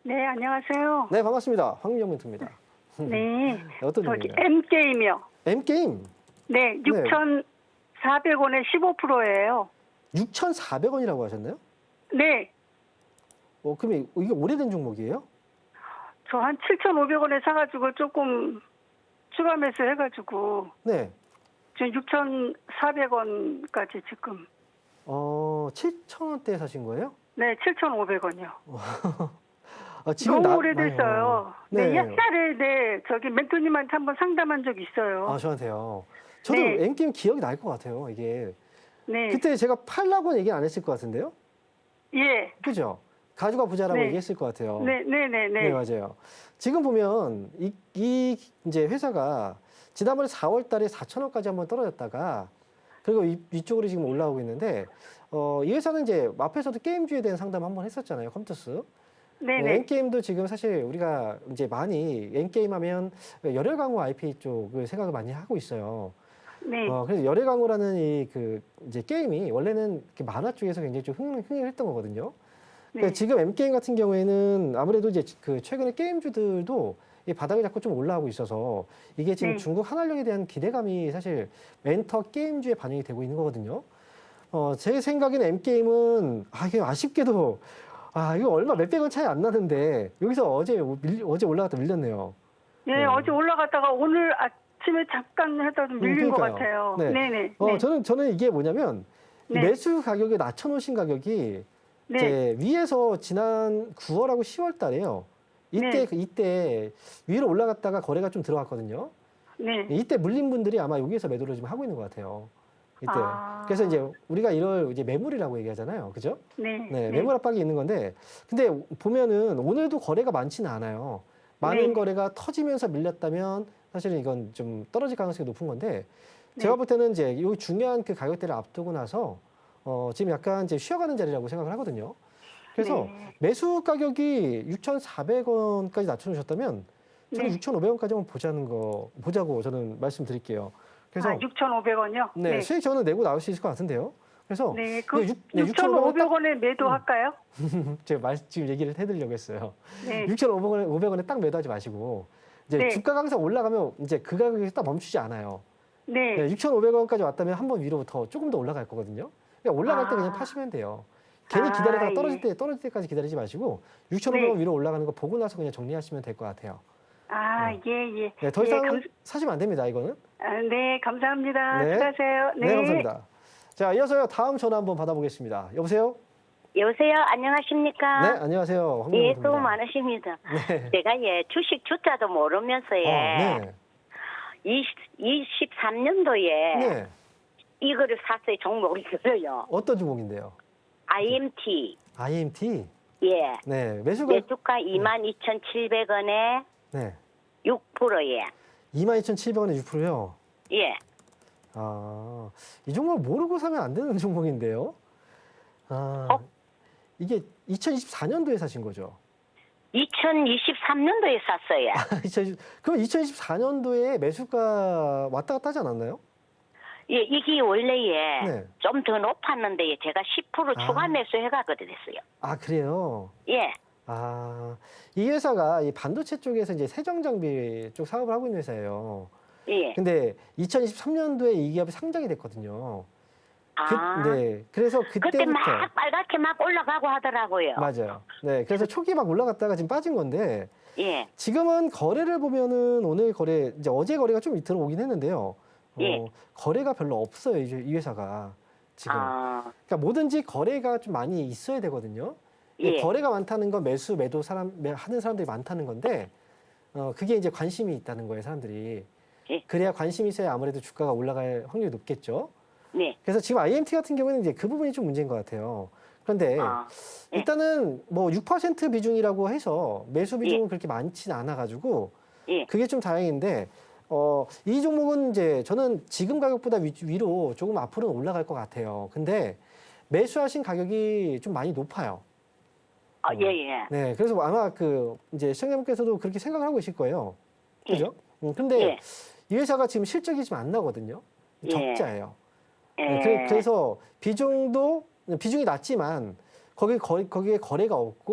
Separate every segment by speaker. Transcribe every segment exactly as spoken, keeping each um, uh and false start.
Speaker 1: 네, 안녕하세요.
Speaker 2: 네, 반갑습니다. 황민정 멘토입니다.
Speaker 1: 네,
Speaker 2: 어떤
Speaker 1: 저기
Speaker 2: 종목인가요?
Speaker 1: M게임이요.
Speaker 2: M게임.
Speaker 1: 네, 육천사백 원에 십오 퍼센트예요.
Speaker 2: 육천사백 원이라고 하셨나요?
Speaker 1: 네,
Speaker 2: 어, 그럼 이게 오래된 종목이에요?
Speaker 1: 저 한 칠천오백 원에 사가지고 조금 추가 매수 해가지고
Speaker 2: 네.
Speaker 1: 지금 육천사백 원까지 지금.
Speaker 2: 어, 칠천 원대에 사신 거예요?
Speaker 1: 네, 칠천오백 원이요.
Speaker 2: 아, 지금
Speaker 1: 너무
Speaker 2: 나-
Speaker 1: 오래됐어요.
Speaker 2: 네.
Speaker 1: 네, 옛날에 네 저기 멘토님한테 한번 상담한 적 있어요.
Speaker 2: 아, 저한테요. 저도
Speaker 1: 네.
Speaker 2: M게임 기억이 날 것 같아요, 이게.
Speaker 1: 네,
Speaker 2: 그때 제가 팔라고는 얘기 안 했을 것 같은데요?
Speaker 1: 예,
Speaker 2: 그죠? 가져가 보자라고
Speaker 1: 네.
Speaker 2: 얘기했을 것 같아요.
Speaker 1: 네, 네, 네,
Speaker 2: 네,
Speaker 1: 네,
Speaker 2: 맞아요. 지금 보면 이, 이 이제 회사가 지난번에 사월 달에 사천 원까지 한번 떨어졌다가 그리고 이, 이쪽으로 지금 올라오고 있는데 어, 이 회사는 이제 앞에서도 게임주에 대한 상담 한번 했었잖아요, 컴투스.
Speaker 1: 네,
Speaker 2: 네,
Speaker 1: 네,
Speaker 2: N게임도 지금 사실 우리가 이제 많이 N게임 하면 열혈 강호 아이피 쪽을 생각을 많이 하고 있어요.
Speaker 1: 네,
Speaker 2: 어, 그래서 열혈 강호라는 이 그 이제 게임이 원래는 이렇게 만화 쪽에서 굉장히 좀 흥, 흥행했던 거거든요. 그러니까
Speaker 1: 네,
Speaker 2: 지금 M게임 같은 경우에는 아무래도 이제 그 최근에 게임주들도 이 바닥이 자꾸 좀 올라오고 있어서 이게 지금
Speaker 1: 네.
Speaker 2: 중국 한활력에 대한 기대감이 사실 멘터 게임주에 반영이 되고 있는 거거든요. 어, 제 생각에는 M게임은 아, 이게 아쉽게도 아, 이거 얼마 몇백 원 차이 안 나는데 여기서 어제 밀, 어제 올라갔다 밀렸네요.
Speaker 1: 예,
Speaker 2: 네.
Speaker 1: 어제 올라갔다가 오늘 아침에 잠깐 하다 좀 밀린
Speaker 2: 음,
Speaker 1: 것
Speaker 2: 그러니까요.
Speaker 1: 같아요.
Speaker 2: 네.
Speaker 1: 네, 네.
Speaker 2: 어,
Speaker 1: 네.
Speaker 2: 저는 저는 이게 뭐냐면 이
Speaker 1: 네.
Speaker 2: 매수 가격에 낮춰 놓으신 가격이
Speaker 1: 네.
Speaker 2: 이제 위에서 지난 구월하고 시월 달에요. 이때
Speaker 1: 네.
Speaker 2: 그 이때 위로 올라갔다가 거래가 좀 들어갔거든요.
Speaker 1: 네.
Speaker 2: 이때 물린 분들이 아마 여기에서 매도를 좀 하고 있는 것 같아요. 이때.
Speaker 1: 아.
Speaker 2: 그래서 이제 우리가 이걸 이제 매물이라고 얘기하잖아요. 그죠?
Speaker 1: 네.
Speaker 2: 네, 매물 압박이 있는 건데, 근데 보면은 오늘도 거래가 많지는 않아요. 많은
Speaker 1: 네.
Speaker 2: 거래가 터지면서 밀렸다면 사실은 이건 좀 떨어질 가능성이 높은 건데,
Speaker 1: 네.
Speaker 2: 제가 볼 때는 이제 이 중요한 그 가격대를 앞두고 나서 어, 지금 약간 이제 쉬어가는 자리라고 생각을 하거든요. 그래서
Speaker 1: 네.
Speaker 2: 매수 가격이 육천사백 원까지 낮춰주셨다면 저는
Speaker 1: 네.
Speaker 2: 육천오백 원까지 한번 보자는 거 보자고 저는 말씀드릴게요. 그래서
Speaker 1: 아, 육천오백 원이요?
Speaker 2: 네, 수익 저는 내고 나올 수 있을 것 같은데요. 그래서
Speaker 1: 네. 그
Speaker 2: 육- 네,
Speaker 1: 육천오백 원에 매도할까요?
Speaker 2: 제가 말, 지금 얘기를 해드리려고 했어요.
Speaker 1: 네.
Speaker 2: 육천오백 원에 오백 원에 딱 매도하지 마시고 이제
Speaker 1: 네.
Speaker 2: 주가가 항상 올라가면 이제 그 가격에서 딱 멈추지 않아요.
Speaker 1: 네.
Speaker 2: 네, 육천오백 원까지 왔다면 한 번 위로 더 조금 더 올라갈 거거든요. 그러니까 올라갈 때
Speaker 1: 아.
Speaker 2: 그냥 파시면 돼요. 괜히
Speaker 1: 아,
Speaker 2: 기다리다가 떨어질
Speaker 1: 예.
Speaker 2: 때 떨어질 때까지 기다리지 마시고 육천오백 원
Speaker 1: 네.
Speaker 2: 위로 올라가는 거 보고 나서 그냥 정리하시면 될 것 같아요.
Speaker 1: 아,
Speaker 2: 네.
Speaker 1: 예, 예.
Speaker 2: 네, 더
Speaker 1: 예,
Speaker 2: 이상
Speaker 1: 감,
Speaker 2: 사시면 안 됩니다. 이거는.
Speaker 1: 아, 네, 감사합니다.
Speaker 2: 네.
Speaker 1: 수고하세요.
Speaker 2: 네, 감사합니다. 자, 이어서요 다음 전화 한번 받아보겠습니다. 여보세요?
Speaker 3: 여보세요. 안녕하십니까?
Speaker 2: 네, 안녕하세요.
Speaker 3: 예,
Speaker 2: 황민호입니다.
Speaker 3: 수고 많으십니다.
Speaker 2: 네.
Speaker 3: 제가 예 주식 주자도 모르면서 예
Speaker 2: 어, 네.
Speaker 3: 이십삼 년도에
Speaker 2: 네.
Speaker 3: 이거를 샀어요. 종목을 들어요.
Speaker 2: 어떤 종목인데요?
Speaker 3: 아이엠티.
Speaker 2: 아이엠티.
Speaker 3: 예.
Speaker 2: 네, 매수가
Speaker 3: 매수가 이만 이천칠백 원에
Speaker 2: 네.
Speaker 3: 육 퍼센트예.
Speaker 2: 이만 이천칠백 원에 육 퍼센트요.
Speaker 3: 예.
Speaker 2: 아, 이 종목 모르고 사면 안 되는 종목인데요. 아,
Speaker 3: 어?
Speaker 2: 이게 이천이십사 년도에 사신 거죠?
Speaker 3: 이천이십삼 년도에 샀어요.
Speaker 2: 이천이십 그럼 이천이십사 년도에 매수가 왔다 갔다 하지 않았나요?
Speaker 3: 예, 이게 원래에
Speaker 2: 네.
Speaker 3: 좀 더 높았는데 제가 십 퍼센트
Speaker 2: 아.
Speaker 3: 추가 매수해가거든 됐어요.
Speaker 2: 아, 그래요?
Speaker 3: 예.
Speaker 2: 아, 이 회사가 이 반도체 쪽에서 이제 세정 장비 쪽 사업을 하고 있는 회사예요.
Speaker 3: 예.
Speaker 2: 근데 이천이십삼 년도에 이 기업이 상장이 됐거든요. 그,
Speaker 3: 아.
Speaker 2: 네. 그래서
Speaker 3: 그때
Speaker 2: 그때부터
Speaker 3: 막 빨갛게 막 올라가고 하더라고요.
Speaker 2: 맞아요. 네. 그래서 초기 막 올라갔다가 지금 빠진 건데
Speaker 3: 예.
Speaker 2: 지금은 거래를 보면은 오늘 거래 이제 어제 거래가 좀 들어오긴 했는데요. 어,
Speaker 3: 예.
Speaker 2: 거래가 별로 없어요. 이, 이 회사가 지금.
Speaker 3: 아,
Speaker 2: 그러니까 뭐든지 거래가 좀 많이 있어야 되거든요.
Speaker 3: 예.
Speaker 2: 거래가 많다는 건 매수, 매도 사람 매- 하는 사람들이 많다는 건데 어, 그게 이제 관심이 있다는 거예요, 사람들이.
Speaker 3: 예.
Speaker 2: 그래야 관심이 있어야 아무래도 주가가 올라갈 확률이 높겠죠.
Speaker 3: 네.
Speaker 2: 그래서 지금 아이엠티 같은 경우에는 이제 그 부분이 좀 문제인 것 같아요. 그런데
Speaker 3: 아, 예.
Speaker 2: 일단은 뭐 육 퍼센트 비중이라고 해서 매수 비중은 그렇게 많지는 않아가지고
Speaker 3: 예.
Speaker 2: 그게 좀 다행인데 어, 이 종목은 이제 저는 지금 가격보다 위, 위로 조금 앞으로는 올라갈 것 같아요. 근데 매수하신 가격이 좀 많이 높아요.
Speaker 3: 아, 예, 예.
Speaker 2: 네, 그래서 아마 그 이제 시청자분께서도 그렇게 생각을 하고 계실 거예요.
Speaker 3: 예.
Speaker 2: 그죠? 음, 근데
Speaker 3: 예.
Speaker 2: 이 회사가 지금 실적이 좀 안 나거든요.
Speaker 3: 예.
Speaker 2: 적자예요.
Speaker 3: 예.
Speaker 2: 네, 그래- 그래서 비중도 비중이 낮지만 거기 거, 거기에 거래가 없고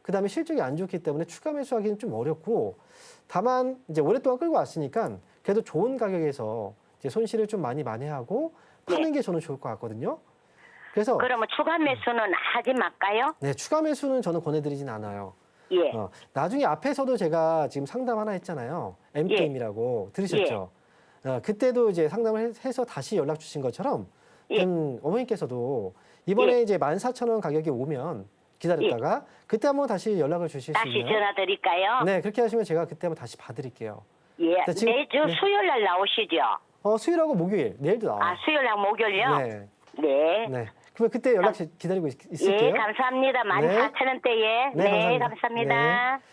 Speaker 2: 그다음에 실적이 안 좋기 때문에 추가 매수하기는 좀 어렵고 다만 이제 오랫동안 끌고 왔으니까 그래도 좋은 가격에서 이제 손실을 좀 많이 만회하고 파는 게 저는 좋을 것 같거든요. 그래서
Speaker 3: 그러면 추가 매수는 하지 말까요?
Speaker 2: 네, 추가 매수는 저는 권해드리진 않아요.
Speaker 3: 예.
Speaker 2: 어, 나중에 앞에서도 제가 지금 상담 하나 했잖아요. 엠게임이라고 들으셨죠? 어, 그때도 이제 상담을 해- 해서 다시 연락 주신 것처럼
Speaker 3: 예.
Speaker 2: 음, 어머니께서도 이번에
Speaker 3: 예.
Speaker 2: 이제 만 사천 원 가격이 오면 기다렸다가 그때 한번 다시 연락을 주실 수
Speaker 3: 다시
Speaker 2: 있나요?
Speaker 3: 전화 드릴까요?
Speaker 2: 네, 그렇게 하시면 제가 그때 한번 다시 봐드릴게요.
Speaker 3: 예.
Speaker 2: 네, 지금-
Speaker 3: 매주
Speaker 2: 네.
Speaker 3: 수요일 날 나오시죠?
Speaker 2: 어, 수요일하고 목요일, 내일도 나와요.
Speaker 3: 아, 수요일 날 목요일요?
Speaker 2: 네,
Speaker 3: 네.
Speaker 2: 네. 그러면 그때 연락 기- 기다리고 있, 있을게요.
Speaker 3: 예, 감사합니다. 만
Speaker 2: 네.
Speaker 3: 사천 원대에.
Speaker 2: 네,
Speaker 3: 네,
Speaker 2: 감사합니다.
Speaker 3: 감사합니다.